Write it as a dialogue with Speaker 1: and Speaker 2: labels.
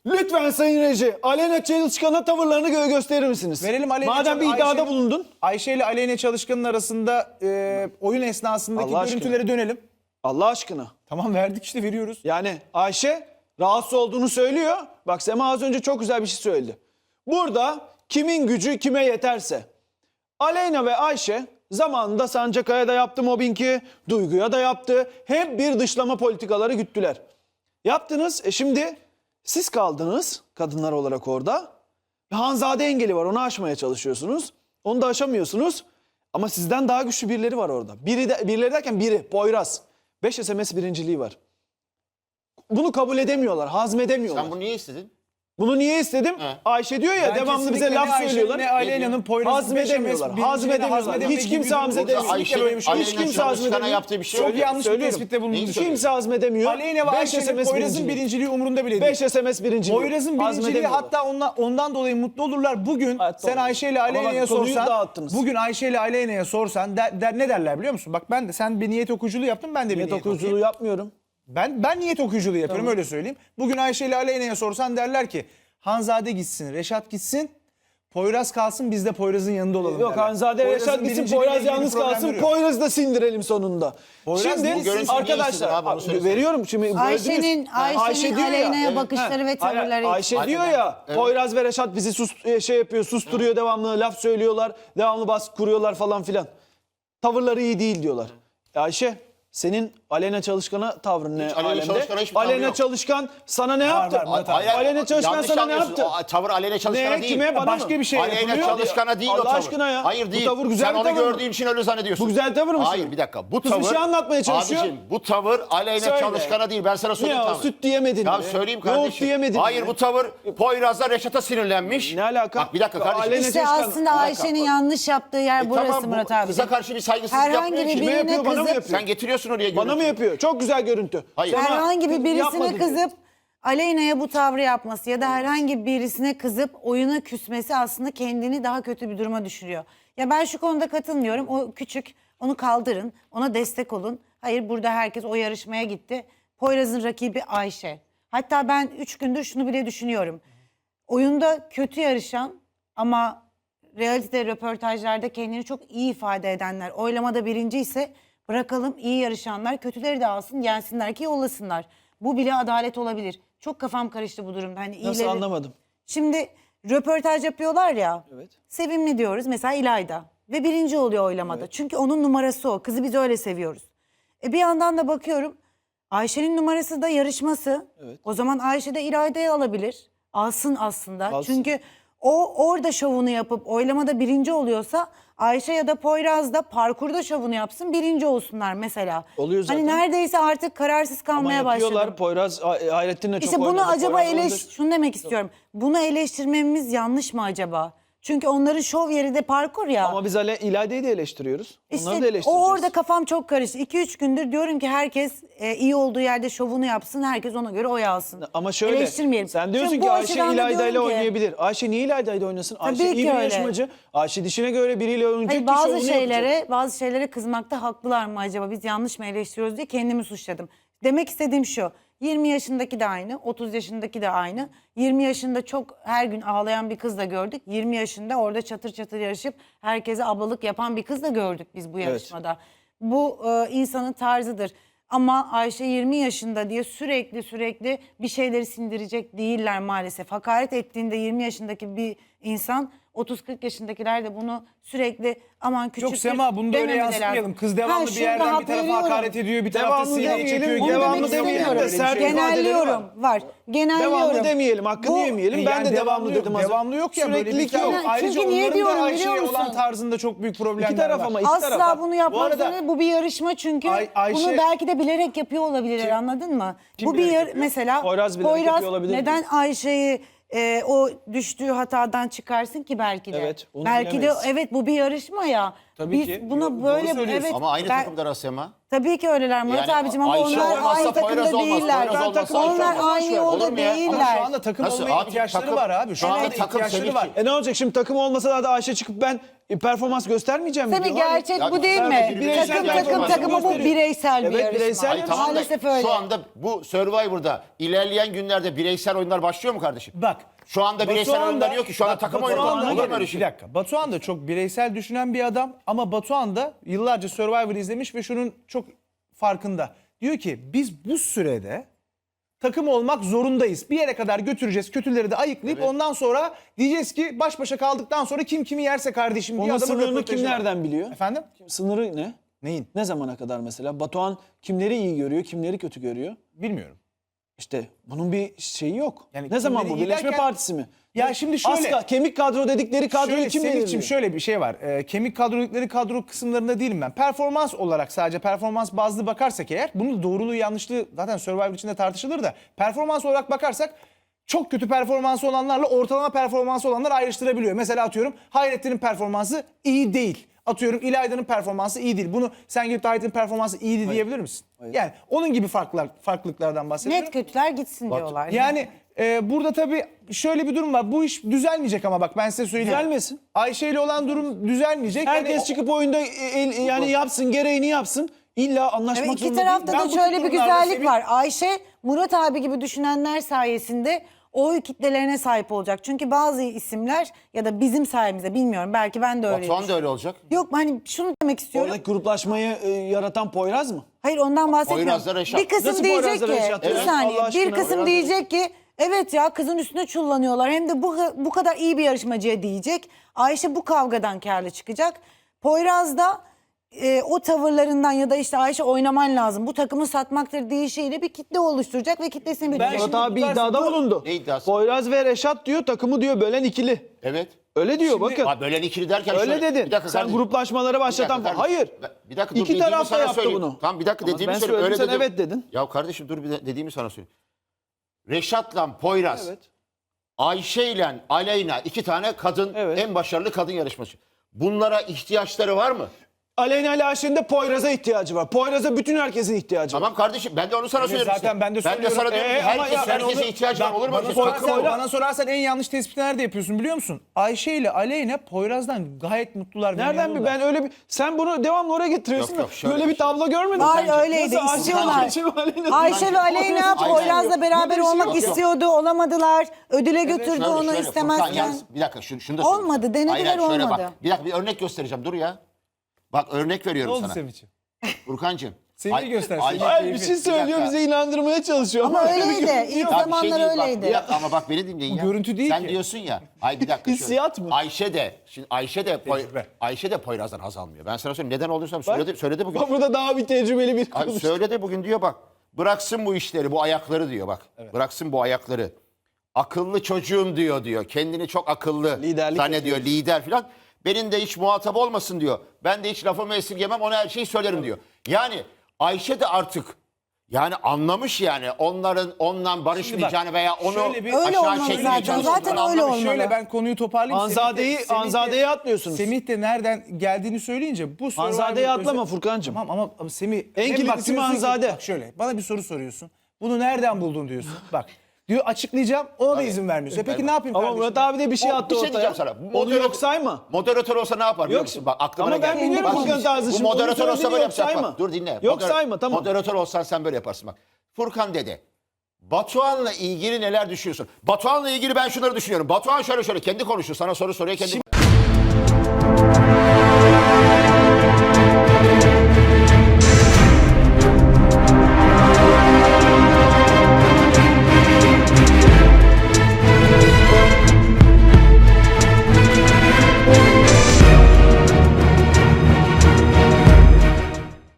Speaker 1: Lütfen Sayın Reji, Aleyna Çalışkan'a tavırlarını gösterir misiniz?
Speaker 2: Verelim Aleyna
Speaker 1: Madem bir iddiada bulundun.
Speaker 2: Ayşe ile Aleyna Çalışkan'ın arasında oyun esnasındaki
Speaker 1: Allah aşkına.
Speaker 2: görüntülere dönelim.
Speaker 1: Allah aşkına.
Speaker 2: Tamam, verdik işte, veriyoruz.
Speaker 1: Yani Ayşe rahatsız olduğunu söylüyor. Bak Sema az önce çok güzel bir şey söyledi. Burada kimin gücü kime yeterse. Aleyna ve Ayşe zamanında Sancakaya da yaptı mobbingi, Duygu'ya da yaptı. Hep bir dışlama politikaları güttüler. Yaptınız. Şimdi siz kaldınız kadınlar olarak orada. Hanzade engeli var, onu aşmaya çalışıyorsunuz. Onu da aşamıyorsunuz. Ama sizden daha güçlü birileri var orada. Birileri derken biri, Poyraz. 5 SMS birinciliği var. Bunu kabul edemiyorlar, hazmedemiyorlar.
Speaker 3: Sen bunu niye istedin?
Speaker 1: Bunu niye istedim? Ayşe diyor ya,
Speaker 2: Ben
Speaker 1: devamlı bize
Speaker 2: kesinlikle
Speaker 1: laf
Speaker 2: ne Ayşe'nin
Speaker 1: söylüyorlar.
Speaker 2: ne Aleyna'nın Poyraz'ın
Speaker 1: Hazmedemiyorlar. Hazmedemiyorlar. Hiç kimse hazmedemiyor. Hiç kimse hazmedemiyor.
Speaker 3: yaptığı bir şey yok.
Speaker 2: Çok yanlış bir
Speaker 1: Söylüyorum.
Speaker 2: tespitte bulundunuz.
Speaker 1: Hiç kimse hazmedemiyor.
Speaker 2: Aleyna ve
Speaker 1: 5
Speaker 2: Ayşe'nin
Speaker 1: SMS
Speaker 2: Poyraz'ın birinciliği umurunda bile değil.
Speaker 1: 5 SMS birinciliği.
Speaker 2: Poyraz'ın birinciliği, hatta ondan dolayı mutlu olurlar. Bugün
Speaker 1: Hatta
Speaker 2: sen
Speaker 1: olur.
Speaker 2: Ayşe ile
Speaker 1: Ama
Speaker 2: Aleyna'ya
Speaker 1: bak, konuyu
Speaker 2: sorsan,
Speaker 1: dağıttınız.
Speaker 2: bugün Ayşe ile Aleyna'ya sorsan ne derler biliyor musun? Bak ben de, sen bir niyet okuyuculuğu yaptın, ben de bir
Speaker 1: Niyet
Speaker 2: niyet
Speaker 1: okuyuculuğu
Speaker 2: okuyayım.
Speaker 1: yapmıyorum.
Speaker 2: Ben niyet okuyuculuğu yapıyorum, öyle söyleyeyim. Bugün Ayşe ile Aleyna'ya sorsan derler ki Hanzade gitsin, Reşat gitsin, Poyraz kalsın, biz de Poyraz'ın yanında olalım
Speaker 1: Yok
Speaker 2: derler.
Speaker 1: Hanzade,
Speaker 2: Poyraz'ın
Speaker 1: Reşat gitsin,
Speaker 2: birinciliğiyle
Speaker 1: Poyraz
Speaker 2: ilgili
Speaker 1: yalnız
Speaker 2: problem
Speaker 1: kalsın,
Speaker 2: yok.
Speaker 1: Poyraz'ı da sindirelim sonunda.
Speaker 2: Poyraz bu
Speaker 1: Şimdi
Speaker 3: görüntüyü niye
Speaker 1: arkadaşlar
Speaker 3: istedin abi, onu söylesene.
Speaker 1: veriyorum şimdi.
Speaker 4: Ayşe'nin
Speaker 1: diyor ya,
Speaker 4: Aleyna'ya
Speaker 1: evet.
Speaker 4: bakışları ve
Speaker 1: Hayır,
Speaker 4: tavırları.
Speaker 1: Ayşe diyor ya, Poyraz ve Reşat bizi susturuyor, devamlı laf söylüyorlar, devamlı baskı kuruyorlar falan filan. Tavırları iyi değil diyorlar. Ayşe, senin Aleyna Çalışkan'a tavrın ne
Speaker 3: Aleyna
Speaker 1: alemde?
Speaker 3: Çalışkan'a hiçbir tavrı
Speaker 1: Aleyna
Speaker 3: yok.
Speaker 1: Çalışkan sana ne yaptı?
Speaker 2: Murat abi.
Speaker 1: Aleyna Çalışkan
Speaker 3: yanlış
Speaker 1: sana ne
Speaker 3: anlıyorsun.
Speaker 1: yaptı?
Speaker 3: O tavır Aleyna Çalışkan'a
Speaker 1: Ne,
Speaker 3: değil.
Speaker 1: kime, bana
Speaker 2: Başka
Speaker 1: mı?
Speaker 2: bir şey
Speaker 3: Aleyna
Speaker 2: yapılıyor.
Speaker 3: Çalışkan'a değil o
Speaker 1: Allah
Speaker 3: tavır.
Speaker 1: aşkına ya.
Speaker 3: Hayır
Speaker 1: Bu
Speaker 3: değil.
Speaker 1: tavır güzel
Speaker 3: Sen
Speaker 1: bir
Speaker 3: onu
Speaker 1: tavır mı?
Speaker 3: gördüğün için öyle zannediyorsun.
Speaker 1: Bu güzel tavır mı
Speaker 3: Hayır
Speaker 1: şimdi?
Speaker 3: bir dakika. Bu
Speaker 1: Kız bir
Speaker 3: tavır...
Speaker 1: şey anlatmaya çalışıyor.
Speaker 3: Abicim bu tavır Aleyna
Speaker 1: Söyle.
Speaker 3: Çalışkan'a değil. Ben sana söyleyeyim
Speaker 1: Ya
Speaker 3: tavır.
Speaker 1: süt diyemedin
Speaker 3: Ya
Speaker 1: mi?
Speaker 3: söyleyeyim
Speaker 1: Yoğurt
Speaker 3: kardeşim.
Speaker 1: diyemedin
Speaker 3: Hayır
Speaker 1: mi?
Speaker 3: bu tavır Poyraz'la Reşat'a sinirlenmiş.
Speaker 1: Ne alaka?
Speaker 3: Bak bir dakika kardeşim.
Speaker 1: Aleyna
Speaker 4: İşte
Speaker 1: Çalışkan-
Speaker 4: aslında Ayşe'nin yanlış yaptığı yer burası
Speaker 3: Tamam, bu
Speaker 4: Murat abi.
Speaker 3: kıza karşı bir saygısızlık
Speaker 4: Herhangi
Speaker 3: yapmıyor
Speaker 4: bir
Speaker 3: ki.
Speaker 1: Kime
Speaker 4: birine
Speaker 1: yapıyor, bana mı
Speaker 4: kızıp
Speaker 1: yapıyor?
Speaker 3: Sen getiriyorsun oraya
Speaker 1: Bana mı
Speaker 3: görüntüyü.
Speaker 1: yapıyor? Çok güzel görüntü.
Speaker 3: Hayır.
Speaker 1: Sema,
Speaker 4: herhangi bir
Speaker 1: yapma
Speaker 4: birisine
Speaker 1: diyor.
Speaker 4: kızıp Aleyna'ya bu tavrı yapması ya da herhangi birisine kızıp oyuna küsmesi aslında kendini daha kötü bir duruma düşürüyor. Ya ben şu konuda katılmıyorum. O küçük, onu kaldırın, ona destek olun. Hayır, burada herkes o yarışmaya gitti. Poyraz'ın rakibi Ayşe. Hatta ben 3 gündür şunu bile düşünüyorum. Oyunda kötü yarışan ama realite röportajlarda kendini çok iyi ifade edenler, oylamada birinci ise bırakalım iyi yarışanlar kötüleri de alsın, gelsinler ki yollasınlar. Bu bile adalet olabilir. Çok kafam karıştı bu durumda. Hani
Speaker 1: Nasıl
Speaker 4: iyileri...
Speaker 1: anlamadım?
Speaker 4: Şimdi röportaj yapıyorlar ya.
Speaker 1: Evet.
Speaker 4: Sevimli diyoruz mesela İlayda ve birinci oluyor oylamada. Çünkü onun numarası o. Kızı biz öyle seviyoruz. Bir yandan da bakıyorum Ayşe'nin numarası da yarışması.
Speaker 1: Evet.
Speaker 4: O zaman Ayşe de İlayda'yı alabilir. Alsın aslında.
Speaker 1: Alsın.
Speaker 4: Çünkü o orada şovunu yapıp oylamada birinci oluyorsa Ayşe ya da Poyraz da parkurda şovunu yapsın, birinci olsunlar mesela.
Speaker 1: Oluyor zaten.
Speaker 4: Hani neredeyse artık kararsız
Speaker 1: Ama
Speaker 4: kalmaya
Speaker 1: yapıyorlar.
Speaker 4: başladım.
Speaker 1: Poyraz Hayrettin'le çok
Speaker 4: İşte bunu
Speaker 1: oynadı.
Speaker 4: acaba
Speaker 1: Poyraz
Speaker 4: şunu demek istiyorum. Bunu eleştirmemiz yanlış mı acaba? Çünkü onların şov yeri de parkur ya.
Speaker 1: Ama biz İlayda'yı da eleştiriyoruz. Onları da
Speaker 4: İşte
Speaker 1: eleştireceğiz.
Speaker 4: o orada kafam çok karıştı. 2-3 gündür diyorum ki herkes iyi olduğu yerde şovunu yapsın. Herkes ona göre oy alsın.
Speaker 1: Ama şöyle,
Speaker 4: Eleştirmeyelim.
Speaker 1: sen diyorsun
Speaker 4: Şimdi
Speaker 1: ki
Speaker 4: bu
Speaker 1: Ayşe
Speaker 4: açıdan da
Speaker 1: İlayda ile
Speaker 4: diyorum ki-
Speaker 1: oynayabilir. Ayşe niye İlayda ile oynasın? Ayşe
Speaker 4: Tabii
Speaker 1: iyi
Speaker 4: ki
Speaker 1: bir
Speaker 4: öyle.
Speaker 1: yarışmacı. Ayşe dişine göre biriyle oynayacak
Speaker 4: Hayır,
Speaker 1: ki
Speaker 4: bazı
Speaker 1: şovunu yapacak.
Speaker 4: bazı şeylere kızmakta haklılar mı acaba? Biz yanlış mı eleştiriyoruz diye kendimi suçladım. Demek istediğim şu. 20 yaşındaki de aynı, 30 yaşındaki de aynı. 20 yaşında çok her gün ağlayan bir kız da gördük. 20 yaşında orada çatır çatır yarışıp herkese ablalık yapan bir kız da gördük biz bu yarışmada. Bu insanın tarzıdır. Ama Ayşe 20 yaşında diye sürekli bir şeyleri sindirecek değiller maalesef. Hakaret ettiğinde 20 yaşındaki bir insan 30-40 yaşındakiler de bunu sürekli aman küçük
Speaker 2: Yok Sema, bunu da öyle yansıtmayalım. Kız devamlı bir yerden bir tarafa hakaret ediyor, bir tarafta
Speaker 1: Devamlı
Speaker 2: sineye
Speaker 1: demeyelim,
Speaker 2: çekiyor.
Speaker 1: onu
Speaker 2: Devamlı
Speaker 1: demek
Speaker 2: demeyelim.
Speaker 1: istemiyorum.
Speaker 2: Böyle bir
Speaker 1: Sert
Speaker 2: şey.
Speaker 1: ifadeleri
Speaker 4: Genelliyorum. Var. Genelliyorum.
Speaker 1: Devamlı demeyelim, hakkını
Speaker 4: Bu-
Speaker 1: yemeyelim. Ben de devamlı dedim az önce.
Speaker 2: Devamlı yok ya, böyle bir
Speaker 1: Süreklilik
Speaker 2: tane.
Speaker 1: yok.
Speaker 2: Ayrıca
Speaker 4: Çünkü niye
Speaker 2: onların da
Speaker 4: diyorum
Speaker 2: Ayşe'ye
Speaker 4: biliyor
Speaker 2: olan
Speaker 4: musun?
Speaker 2: tarzında çok büyük problemler
Speaker 1: İki taraf
Speaker 2: var.
Speaker 1: ama iki taraf.
Speaker 4: Asla bunu
Speaker 2: Bu
Speaker 4: yapmazlar.
Speaker 2: arada
Speaker 4: Bu bir yarışma çünkü
Speaker 2: Ayşe-
Speaker 4: bunu belki de bilerek yapıyor olabilirler, anladın mı?
Speaker 1: Kim
Speaker 4: Bu bir
Speaker 1: bilerek yapıyor?
Speaker 4: mesela
Speaker 1: Poyraz bilerek yapıyor olabilir mi?
Speaker 4: neden Ayşe'yi o düştüğü hatadan çıkarsın ki belki de.
Speaker 1: Evet, onu
Speaker 4: belki
Speaker 1: bilemeyiz.
Speaker 4: de evet, bu bir yarışma ya.
Speaker 2: Tabii
Speaker 4: Biz
Speaker 2: ki.
Speaker 4: buna
Speaker 2: Doğru
Speaker 4: böyle
Speaker 2: söylüyorsun.
Speaker 4: evet
Speaker 3: Ama aynı
Speaker 4: ben-
Speaker 3: takımda Sema.
Speaker 4: Tabii ki öyleler Murat
Speaker 3: Yani
Speaker 4: abicim ama
Speaker 3: Ayşe
Speaker 4: onlar
Speaker 3: olmazsa
Speaker 4: aynı takımda
Speaker 3: Poyraz olmaz,
Speaker 4: değiller.
Speaker 3: Poyraz olmazsa Ayşe
Speaker 4: Onlar
Speaker 3: olmaz.
Speaker 4: aynı
Speaker 3: Olur
Speaker 4: yolda
Speaker 3: mu ya? Ama
Speaker 2: Ama
Speaker 4: değiller.
Speaker 2: şu anda takım
Speaker 3: Nasıl?
Speaker 2: olmaya
Speaker 3: Abi,
Speaker 2: ihtiyaçları
Speaker 3: takım-
Speaker 2: var abi. Şu
Speaker 3: şu
Speaker 2: anda
Speaker 3: anda takım
Speaker 2: ihtiyaçları
Speaker 3: senin
Speaker 2: var.
Speaker 3: için.
Speaker 1: Ne olacak şimdi takım olmasa da Ayşe çıkıp ben performans göstermeyeceğim mi
Speaker 4: Tabii
Speaker 1: diyor. Hayır.
Speaker 4: gerçek
Speaker 3: Ya
Speaker 4: bu değil mi?
Speaker 3: bireysel
Speaker 4: Takım
Speaker 3: performansı
Speaker 4: takım ama bu
Speaker 1: gösteriyor.
Speaker 4: bireysel bir
Speaker 1: Evet,
Speaker 4: yarışma.
Speaker 1: bireysel
Speaker 3: Hayır, tamam da
Speaker 4: Maalesef öyle.
Speaker 3: şu anda bu Survivor'da ilerleyen günlerde bireysel oyunlar başlıyor mu kardeşim?
Speaker 2: Bak.
Speaker 3: Şu anda bireysel
Speaker 2: Batuhan
Speaker 3: oyunlar
Speaker 2: da-
Speaker 3: yok ki. Şu anda
Speaker 2: bak,
Speaker 3: takım
Speaker 2: Batuhan
Speaker 3: oyunu
Speaker 2: da-
Speaker 3: olur mu öyle
Speaker 2: Bir
Speaker 3: şey?
Speaker 2: dakika. Batuhan da çok bireysel düşünen bir adam ama Batuhan da yıllarca Survivor izlemiş ve şunun çok farkında. Diyor ki biz bu sürede takım olmak zorundayız. Bir yere kadar götüreceğiz. Kötüleri de ayıklayıp ondan sonra diyeceğiz ki baş başa kaldıktan sonra kim kimi yerse kardeşim diye
Speaker 1: Onun
Speaker 2: adamın
Speaker 1: sınırını
Speaker 2: röportajı
Speaker 1: kim
Speaker 2: var.
Speaker 1: nereden biliyor?
Speaker 2: Efendim?
Speaker 1: Sınırı ne?
Speaker 2: Neyin?
Speaker 1: Ne zamana kadar mesela? Batuhan kimleri iyi görüyor, kimleri kötü görüyor?
Speaker 2: Bilmiyorum.
Speaker 1: İşte bunun bir şeyi yok.
Speaker 2: Yani
Speaker 1: Ne zaman
Speaker 2: kimleri
Speaker 1: bu?
Speaker 2: iyi
Speaker 1: Birleşme
Speaker 2: derken-
Speaker 1: Partisi mi?
Speaker 2: Ya şimdi şöyle.
Speaker 1: Kemik kadro dedikleri kadroyu
Speaker 2: Şöyle,
Speaker 1: kim
Speaker 2: Semih'ciğim
Speaker 1: belirliyor?
Speaker 2: şöyle bir şey var. Kemik kadrolikleri kadro kısımlarında değilim ben. Performans olarak sadece performans bazlı bakarsak eğer bunun doğruluğu yanlışlığı zaten Survivor içinde tartışılır da performans olarak bakarsak çok kötü performansı olanlarla ortalama performansı olanlar ayrıştırabiliyor. Mesela atıyorum Hayrettin'in performansı iyi değil. Atıyorum İlayda'nın performansı iyi değil. Bunu sen gidip de Hayrettin'in performansı iyiydi diyebilir misin? Yani onun gibi farklılıklardan bahsediyorum.
Speaker 4: Net kötüler gitsin diyorlar.
Speaker 2: Yani burada tabii şöyle bir durum var. Bu iş düzelmeyecek ama bak ben size söyleyeyim.
Speaker 1: Düzelmesin.
Speaker 2: Ayşe ile olan durum düzelmeyecek.
Speaker 1: Herkes
Speaker 2: Yani
Speaker 1: çıkıp oyunda yani yapsın, gereğini yapsın. İlla anlaşmak
Speaker 4: Evet, iki
Speaker 1: zorunda
Speaker 4: tarafta
Speaker 1: değil.
Speaker 2: Ben
Speaker 4: da
Speaker 2: bu
Speaker 4: şöyle
Speaker 2: tip
Speaker 4: bir
Speaker 2: durumlarda
Speaker 4: güzellik
Speaker 2: Semih-
Speaker 4: var. Ayşe, Murat abi gibi düşünenler sayesinde oy kitlelerine sahip olacak. Çünkü bazı isimler ya da bizim sayemizde bilmiyorum belki ben de öyleyim.
Speaker 3: Batuhan da öyle olacak.
Speaker 4: Yok hani şunu demek istiyorum.
Speaker 1: Oradaki gruplaşmayı yaratan Poyraz mı?
Speaker 4: Hayır ondan bahsetmiyorum.
Speaker 3: Poyraz'la Reşat.
Speaker 4: Bir kısım
Speaker 1: Nasıl
Speaker 4: diyecek
Speaker 1: Poyraz'la
Speaker 4: ki
Speaker 1: Reşat?
Speaker 4: bir
Speaker 1: Evet,
Speaker 4: saniye
Speaker 1: Allah
Speaker 4: bir
Speaker 1: aşkına,
Speaker 4: kısım
Speaker 1: Poyraz'la
Speaker 4: diyecek ki evet ya kızın üstüne çullanıyorlar hem de bu kadar iyi bir yarışmacıya diyecek. Ayşe bu kavgadan kârlı çıkacak. Poyraz da o tavırlarından ya da işte Ayşe oynaman lazım bu takımı satmaktır deyişiyle bir kitle oluşturacak ve kitlesini bilecek.
Speaker 1: Murat abi iddiada bulundu.
Speaker 3: Ne iddiası?
Speaker 1: Poyraz ve Reşat diyor takımı diyor bölen ikili.
Speaker 3: Evet.
Speaker 1: Öyle diyor bakın.
Speaker 3: Abi böyle ikili derken
Speaker 1: Öyle
Speaker 3: şöyle-
Speaker 1: dedin.
Speaker 3: Bir dakika
Speaker 1: Sen
Speaker 3: kardeşim.
Speaker 1: gruplaşmaları başlatan
Speaker 3: Bir dakika
Speaker 1: falan. Hayır.
Speaker 3: kardeşim. Bir dakika dur,
Speaker 1: İki
Speaker 3: dediğimi
Speaker 1: taraf da
Speaker 3: sana
Speaker 1: yaptı
Speaker 3: söyleyeyim.
Speaker 1: bunu.
Speaker 3: Tamam bir dakika
Speaker 1: Ama
Speaker 3: dediğimi
Speaker 1: ben
Speaker 3: söyle.
Speaker 1: söyledim,
Speaker 3: Öyle
Speaker 1: sen
Speaker 3: dedim.
Speaker 1: evet dedin.
Speaker 3: Ya kardeşim dur dediğimi sana söyleyeyim. Reşat'la Poyraz,
Speaker 1: Evet.
Speaker 3: Ayşe ile Aleyna iki tane kadın
Speaker 1: Evet.
Speaker 3: en başarılı kadın yarışmacı. Bunlara ihtiyaçları var mı?
Speaker 1: Aleyna ile Ayşe'nin de Poyraz'a ihtiyacı var. Poyraz'a bütün herkesin ihtiyacı var.
Speaker 3: Tamam kardeşim ben de onu sana söylüyorum.
Speaker 2: zaten
Speaker 3: işte.
Speaker 2: ben de
Speaker 3: Ben de
Speaker 2: söylüyorum.
Speaker 3: sana diyorum ki
Speaker 1: ama ya sen
Speaker 3: herkese
Speaker 2: onu-
Speaker 3: ihtiyacı var. Olur mu?
Speaker 2: Bana
Speaker 3: öyle şey?
Speaker 2: sorarsan, bana sorarsan en yanlış tespiti nerede yapıyorsun biliyor musun? Ayşe ile Aleyna Poyraz'dan gayet mutlular. ve
Speaker 1: Nereden bir
Speaker 2: memnunlar.
Speaker 1: ben öyle bir sen bunu devamlı oraya getiriyorsun
Speaker 3: Yok, yok,
Speaker 1: da
Speaker 3: şöyle
Speaker 1: böyle
Speaker 3: bir
Speaker 1: bir tablo görmedim.
Speaker 4: Var öyleydi
Speaker 1: Nasıl
Speaker 4: istiyorlar.
Speaker 1: Ayşe ve Aleyna-
Speaker 4: Ayşe ve Aleyna
Speaker 3: Aynen.
Speaker 4: Poyraz'la beraber
Speaker 1: Böyle bir şey
Speaker 4: olmak
Speaker 1: yok, yok.
Speaker 4: istiyordu olamadılar. Ödüle götürdü
Speaker 3: Şöyle,
Speaker 4: onu
Speaker 3: şöyle,
Speaker 4: istemezken.
Speaker 3: Furkan, yalnız bir dakika şunu da
Speaker 4: Olmadı,
Speaker 3: söyleyeyim.
Speaker 4: denediler,
Speaker 3: Hayır, şöyle
Speaker 4: olmadı.
Speaker 3: Bak, bir dakika bir örnek göstereceğim dur ya. Bak örnek
Speaker 2: Ne
Speaker 3: veriyorum
Speaker 2: oldu
Speaker 3: sana.
Speaker 2: Semih'ciğim?
Speaker 3: Furkancığım.
Speaker 2: Semih'i göster,
Speaker 3: Ay-
Speaker 2: Semih.
Speaker 1: Hayır bir şey söylüyor
Speaker 3: dakika.
Speaker 1: bize inandırmaya çalışıyor.
Speaker 4: Ama
Speaker 1: öyle bir
Speaker 4: öyleydi.
Speaker 1: görüntü
Speaker 4: İlk
Speaker 1: yok.
Speaker 3: Ya bir
Speaker 4: zamanlar
Speaker 3: değil, bak,
Speaker 4: öyleydi.
Speaker 3: bir dakika, ama bak beni dinleyin ya.
Speaker 2: görüntü değil
Speaker 3: Sen
Speaker 2: ki.
Speaker 3: diyorsun ya. Ay bir dakika. şöyle.
Speaker 1: Hissiyat mı?
Speaker 3: Ayşe de
Speaker 2: Tecrübe.
Speaker 3: Ayşe de Poyraz'dan haz almıyor. Ben sana söyleyeyim neden olduğunu söyledi bugün.
Speaker 1: Bak burada daha bir tecrübeli bir
Speaker 3: Abi
Speaker 1: konuş.
Speaker 3: söyledi bugün diyor bak. Bıraksın bu işleri, bu ayakları diyor bak. Bıraksın bu ayakları. Akıllı çocuğum diyor. Kendini çok akıllı
Speaker 1: Liderlik
Speaker 3: zannediyor, lider falan. Benim de hiç muhatap olmasın diyor. Ben de hiç lafımı esirgemem, ona her şeyi söylerim diyor. Yani Ayşe de artık yani anlamış yani ondan barışmayacağını veya onu
Speaker 2: şöyle bir-
Speaker 4: Öyle
Speaker 3: aşağı
Speaker 4: olmalı
Speaker 3: çekmeye
Speaker 4: zaten.
Speaker 3: çalıştığını
Speaker 4: Zaten öyle
Speaker 3: anlamış.
Speaker 4: olmalı.
Speaker 2: Şöyle ben konuyu toparlayayım.
Speaker 1: Hanzade'yi atlıyorsunuz.
Speaker 2: Semih de nereden geldiğini söyleyince bu
Speaker 1: Hanzade'yi
Speaker 2: Survivor
Speaker 1: atlama
Speaker 2: özel-
Speaker 1: Furkancığım.
Speaker 2: Tamam ama Semih...
Speaker 1: En
Speaker 2: hem
Speaker 1: kilitli
Speaker 2: bak
Speaker 1: isim
Speaker 2: diyorsun ki-
Speaker 1: Hanzade.
Speaker 2: Bak şöyle bana bir soru soruyorsun. Bunu nereden buldun diyorsun. Bak diyor açıklayacağım ona da izin vermiyorsun. Peki ne yapayım
Speaker 1: Ama
Speaker 2: kardeşim?
Speaker 1: Murat abi de bir şey attı
Speaker 3: Bir şey
Speaker 1: ortaya.
Speaker 3: diyeceğim sana.
Speaker 1: Onu yok sayma.
Speaker 3: Moderatör olsa ne yapar biliyor
Speaker 1: Yok,
Speaker 3: musun? Bak aklıma
Speaker 1: ama
Speaker 3: ne
Speaker 1: ben
Speaker 3: geldi.
Speaker 1: biliyorum
Speaker 3: Bak,
Speaker 1: Furkan tarzı
Speaker 3: bu
Speaker 1: şimdi. Onu
Speaker 3: moderatör olsa
Speaker 1: söylediğini
Speaker 3: böyle
Speaker 1: yok
Speaker 3: yapacak
Speaker 1: sayma.
Speaker 3: bak. Dur dinle.
Speaker 1: Yok sayma, tamam.
Speaker 3: Moderatör olsan sen böyle yaparsın bak. Furkan dede. Batuhan'la ilgili neler düşünüyorsun? Batuhan'la ilgili ben şunları düşünüyorum. Batuhan şöyle kendi konuşuyor. Sana soru soruyor kendi